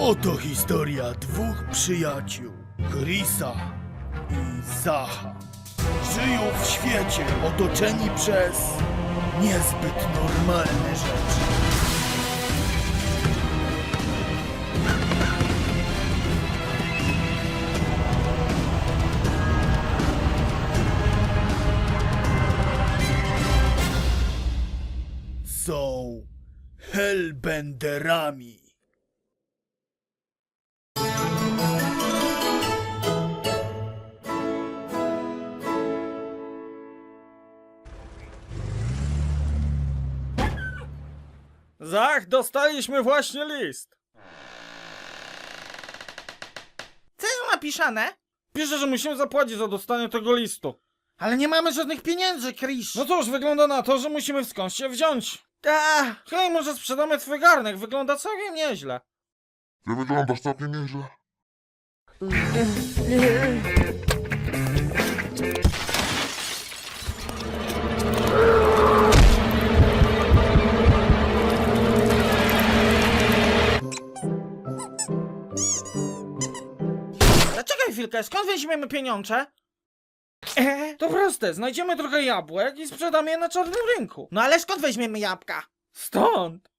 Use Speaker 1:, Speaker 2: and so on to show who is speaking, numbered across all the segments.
Speaker 1: Oto historia dwóch przyjaciół, Chrisa i Zacha. Żyją w świecie otoczeni przez niezbyt normalne rzeczy. Są hellbenderami.
Speaker 2: Zach, dostaliśmy właśnie list.
Speaker 3: Co jest napisane?
Speaker 2: Pisze, że musimy zapłacić za dostanie tego listu.
Speaker 3: Ale nie mamy żadnych pieniędzy, Chris.
Speaker 2: No cóż, wygląda na to, że musimy skądś się wziąć. Hej, może sprzedamy twój garnek, wygląda całkiem nieźle.
Speaker 4: Ty wyglądasz całkiem nieźle.
Speaker 3: Zaczekaj chwilkę, skąd weźmiemy pieniądze?
Speaker 2: To proste, znajdziemy trochę jabłek i sprzedamy je na czarnym rynku.
Speaker 3: No ale skąd weźmiemy jabłka?
Speaker 2: Stąd.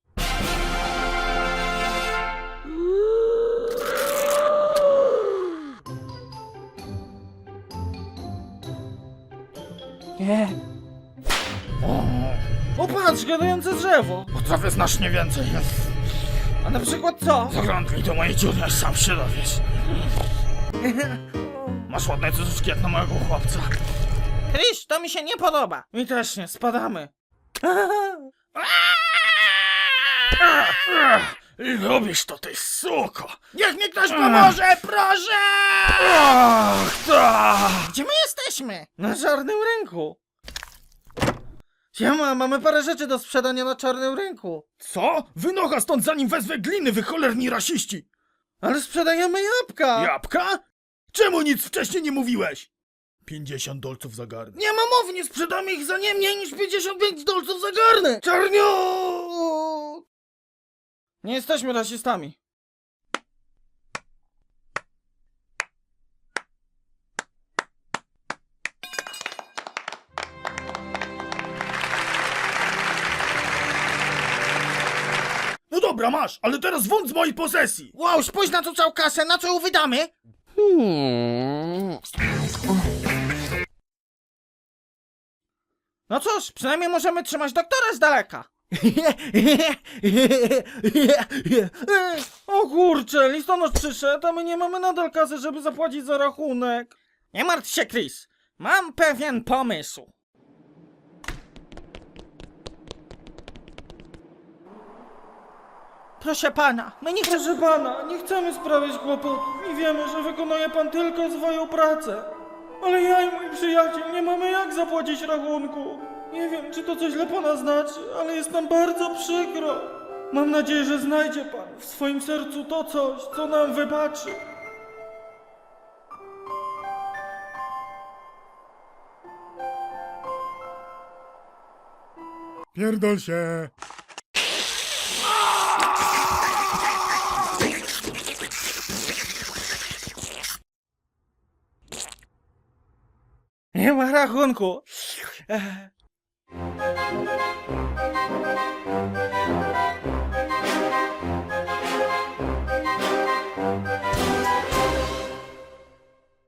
Speaker 2: O, patrz, gadające drzewo.
Speaker 1: Potrafię znacznie więcej.
Speaker 2: A na przykład co?
Speaker 1: Zaglądnij do mojej dziury, aż sam się dowiesz. Masz ładne cycuszki jak na mojego chłopca.
Speaker 3: Chris, to mi się nie podoba.
Speaker 2: Mi też nie, spadamy.
Speaker 1: Lubisz to, ty suko!
Speaker 3: Niech mi ktoś pomoże, proszę!
Speaker 1: Ach, tak!
Speaker 3: Gdzie my jesteśmy?
Speaker 2: Na czarnym rynku. Siema, mamy parę rzeczy do sprzedania na czarnym rynku.
Speaker 1: Co? Wynocha stąd, zanim wezwę gliny, wy cholerni rasiści!
Speaker 2: Ale sprzedajemy jabłka.
Speaker 1: Jabłka? Czemu nic wcześniej nie mówiłeś? 50 dolców za garnek.
Speaker 2: Nie ma mowy, nie sprzedamy ich za nie mniej niż 55 dolców za garnek. Czarniu! Nie jesteśmy rasistami.
Speaker 1: No dobra, masz, ale teraz wąt z mojej posesji!
Speaker 3: Wow, spójrz na tą całą kasę, na co ją wydamy?
Speaker 2: No cóż, przynajmniej możemy trzymać doktora z daleka. O kurczę, listonosz przyszedł, a my nie mamy nadal kasy, żeby zapłacić za rachunek.
Speaker 3: Nie martw się, Chris. Mam pewien pomysł. Proszę pana, my nie chcemy...
Speaker 2: Proszę pana, nie chcemy sprawiać kłopotów i wiemy, że wykonuje pan tylko swoją pracę. Ale ja i mój przyjaciel nie mamy jak zapłacić rachunku. Nie wiem, czy to coś dla pana znaczy, ale jest nam bardzo przykro. Mam nadzieję, że znajdzie pan w swoim sercu to coś, co nam wybaczy.
Speaker 1: Pierdol się!
Speaker 2: Nie ma rachunku.